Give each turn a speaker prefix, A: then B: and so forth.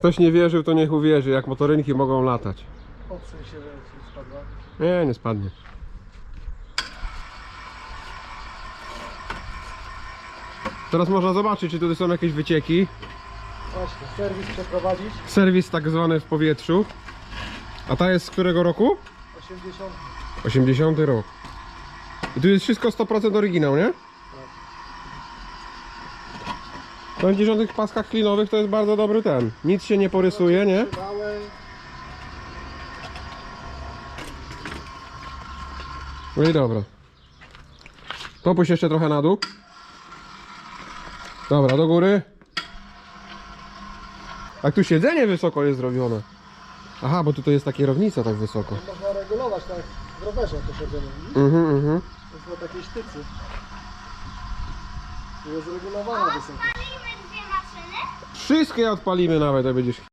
A: Ktoś nie wierzył, to niech uwierzy, jak motorynki mogą latać.
B: Odsuń się, że ci spadła.
A: Nie, nie spadnie. Teraz można zobaczyć, czy tutaj są jakieś wycieki.
B: Właśnie, serwis przeprowadzić.
A: Serwis tak zwany w powietrzu. A ta jest z którego roku?
B: 80.
A: 80 rok. I tu jest wszystko 100% oryginał, nie? Na 90 paskach klinowych to jest bardzo dobry ten. Nic się nie porysuje, nie? No i dobra. Popuść jeszcze trochę na dół. Dobra, do góry. A tu siedzenie wysoko jest zrobione. Aha, bo tutaj jest ta kierownica tak wysoko.
B: Można regulować tak w rowerze to siedzenie. To jest na takiej sztycy. Tu jest regulowana wysokość.
C: Odpalimy dwie maszyny?
A: Wszystkie odpalimy nawet, jak będziesz